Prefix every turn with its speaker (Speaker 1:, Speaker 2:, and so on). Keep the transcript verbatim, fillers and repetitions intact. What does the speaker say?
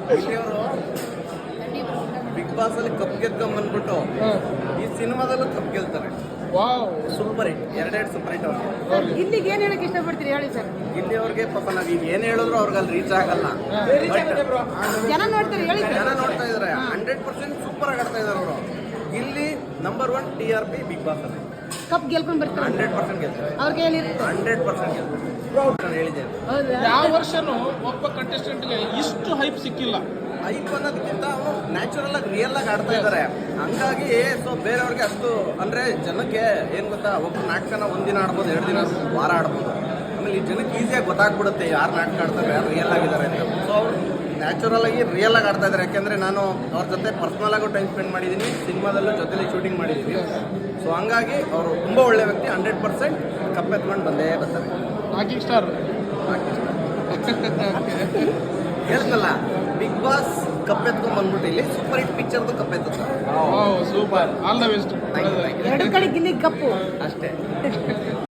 Speaker 1: ಇಲ್ಲಿಯವರು big boss ಅಲ್ಲಿ cup ಗೆದ್ಕೊಂಡ್ ಬಂದ್ಬಿಟ್ಟು ಈ ಸಿನಿಮಾದಲ್ಲೂ ಕಪ್ ಗೆಲ್ತಾರೆ.
Speaker 2: ವಾವ್,
Speaker 1: ಸೂಪರ್ ಹಿಟ್, ಎರಡೆರಡು ಸೂಪರ್ ಹಿಟ್ ಅವ್ರಿಗೆ.
Speaker 3: ಇಲ್ಲಿಗೆ ಏನ್ ಹೇಳಕ್ ಇಷ್ಟಪಡ್ತೀರಿ ಹೇಳಿ ಸರ್?
Speaker 1: ಇಲ್ಲಿ ಅವ್ರಿಗೆ ಪಾಪ ನಾವ್ ಈಗ ಏನ್ ಹೇಳಿದ್ರು ಅವ್ರಿಗೆ ಅಲ್ಲಿ ರೀಚ್ ಆಗಲ್ಲ.
Speaker 3: ಜನ ನೋಡ್ತಾರೆ ಹೇಳಿ ಸರ್.
Speaker 1: ಜನ ನೋಡ್ತಾ ಇದಾರೆ, ಹಂಡ್ರೆಡ್ ಪರ್ಸೆಂಟ್ ಸೂಪರ್ ಆಗಿ ಆಡ್ತಾ ಇದಾರೆ ಅವರು. ಇಲ್ಲಿ number one T R P big boss ಅಲ್ಲಿ
Speaker 3: ಕಪ್ ಗೆಲ್ಕೊಂಡ್ ಬರ್ತಾರೆ,
Speaker 1: ಹಂಡ್ರೆಡ್ ಪರ್ಸೆಂಟ್ ಗೆಲ್ತಾರೆ,
Speaker 3: ಅವ್ರಿಗೆ ಏನಿರುತ್ತೆ
Speaker 1: ಹಂಡ್ರೆಡ್ ಪರ್ಸೆಂಟ್ ಗೆಲ್ತಾರೆ. ನಾನು ಹೇಳಿದ್ದೇನೆ,
Speaker 3: ಹೌದಾ?
Speaker 2: ಯಾವ ವರ್ಷನೂ ಒಬ್ಬ ಕಂಟೆಸ್ಟೆಂಟ್ಗೆ ಇಷ್ಟು ಹೈಪ್ ಸಿಕ್ಕಿಲ್ಲ.
Speaker 1: ಐಪ್ ಅನ್ನೋದಕ್ಕಿಂತ ಅವರು ನ್ಯಾಚುರಲ್ ಆಗಿ ರಿಯಲ್ ಆಗಿ ಆಡ್ತಾ ಇದ್ದಾರೆ. ಹಂಗಾಗಿ ಸೊ ಬೇರೆಯವ್ರಿಗೆ ಅಷ್ಟು ಅಂದ್ರೆ ಜನಕ್ಕೆ ಏನ್ ಗೊತ್ತಾ, ಒಬ್ಬ ನಾಟಕನ ಒಂದಿನ ಆಡ್ಬೋದು, ಎರಡು ದಿನ ಆಡ್ಬೋದು, ವಾರ ಆಡ್ಬೋದು. ಆಮೇಲೆ ಈ ಜನಕ್ಕೆ ಈಸಿಯಾಗಿ ಗೊತ್ತಾಗ್ಬಿಡುತ್ತೆ ಯಾರು ನಾಟಕ ಆಡ್ತಾರೆ, ಯಾರು ರಿಯಲ್ ಆಗಿದ್ದಾರೆ ಅಂತ. ಸೊ ಅವ್ರು ನ್ಯಾಚುರಲ್ ಆಗಿ ರಿಯಲ್ ಆಗಿ ಆಡ್ತಾ ಇದ್ದಾರೆ. ಯಾಕೆಂದ್ರೆ ನಾನು ಅವ್ರ ಜೊತೆ ಪರ್ಸನಲ್ ಆಗು ಟೈಮ್ ಸ್ಪೆಂಡ್ ಮಾಡಿದ್ದೀನಿ, ಸಿನಿಮಾದಲ್ಲೂ ಜೊತೆಲಿ ಶೂಟಿಂಗ್ ಮಾಡಿದ್ದೀನಿ. ಸೊ ಹಂಗಾಗಿ ಅವರು ತುಂಬಾ ಒಳ್ಳೆ ವ್ಯಕ್ತಿ, ಹಂಡ್ರೆಡ್ ಪರ್ಸೆಂಟ್ ಕಪ್ಪೆತ್ಕೊಂಡು ಬಂದೇ ಬರ್ತಾರೆ.
Speaker 2: Rocking star.
Speaker 1: ಹೇಳ್ತಲ್ಲ, ಬಿಗ್ ಬಾಸ್ ಕಪ್ಪೆತ್ಕೊಂಡ್ ಬಂದ್ಬಿಟ್ಟು ಇಲ್ಲಿ ಸೂಪರ್ ಹಿಟ್ ಪಿಕ್ಚರ್ದು ಕಪ್ಪೆತ್ತ
Speaker 2: ಸೂಪರ್, ಆಲ್ ದ ಬೆಸ್ಟ್.
Speaker 3: ಎರಡು ಕಡೆ ಗಿಲ್ಲಿ ಕಪ್ಪು
Speaker 1: ಅಷ್ಟೇ.